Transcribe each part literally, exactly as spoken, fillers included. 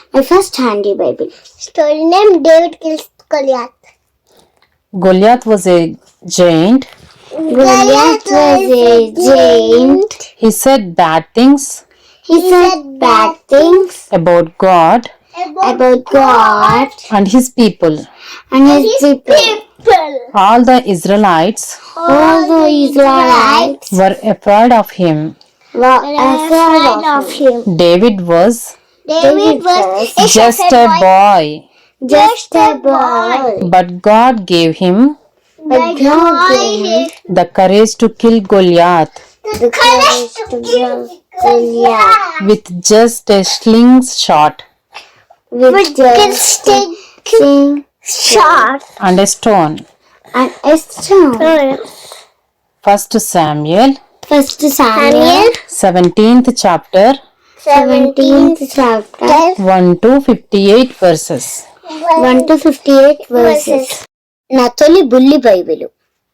My first handy Bible. Story name David kills Goliath. Goliath was a giant. Goliath was a giant. He said bad things He said bad things about God about God and his people. and his people. All the Israelites All the Israelites were afraid of him. were afraid of him. David was David was a just a shepherd boy, boy, just a boy. but God gave him But God gave him the courage to kill Goliath the courage to kill Goliath with just a slingshot with just a shot and a stone. and a stone. First Samuel, First Samuel, seventeenth chapter, seventeenth chapter, one to fifty-eight verses. one to fifty-eight verses. నా తొలి బుల్లి Bible.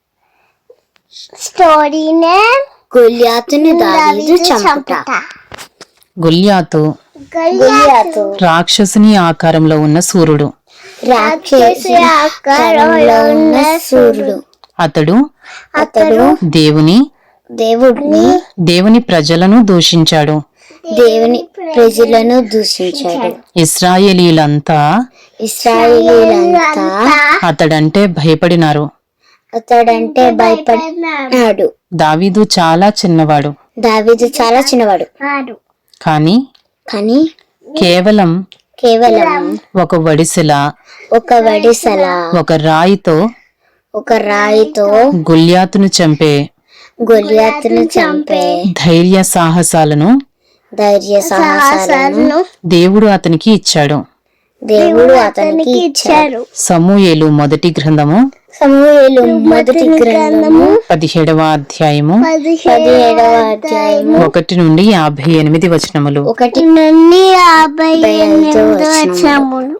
Story name గొల్యాతుని దావీదు చంపుట. గొల్యాతు గొల్యాతు రాక్షసుని ఆకారంలో ఉన్న సూర్యుడు. రాక్షసి ఆకారంలో ఉన్న సూర్యుడు. అతడు అతడు దేవుని దేవుడిని దేవుని ప్రజలను దూషించాడు. దేవుని ప్రజలను దూషించాడు. ఇశ్రాయేలీలంతా ఇశ్రాయేలీలంతా అతడంటే భయపడినారు. అతడంటే భయపడినాడు. దావీదు చాలా చిన్నవాడు. దావీదు చాలా చిన్నవాడు. కానీ కానీ కేవలం కేవలం ఒక వడిసెల ఒక వడిసల ఒక రాయితో ఒక రాయితో గొల్యాతును చంపే గొల్యాతును చంపే ధైర్య సాహసాలను ధైర్య సాహసాలను దేవుడు అతనికి ఇచ్చాడు. దేవుడు అతనికి ఇచ్చారు. సమూయేలు మొదటి గ్రంథము సమూయేలు మొదటి గ్రంథము పదిహేడవ అధ్యాయము పదిహేడవ అధ్యాయము ఒకటి నుండి యాభై ఎనిమిది వచనములు. ఒకటి నుండి యాభై ఎనిమిది వచనములు.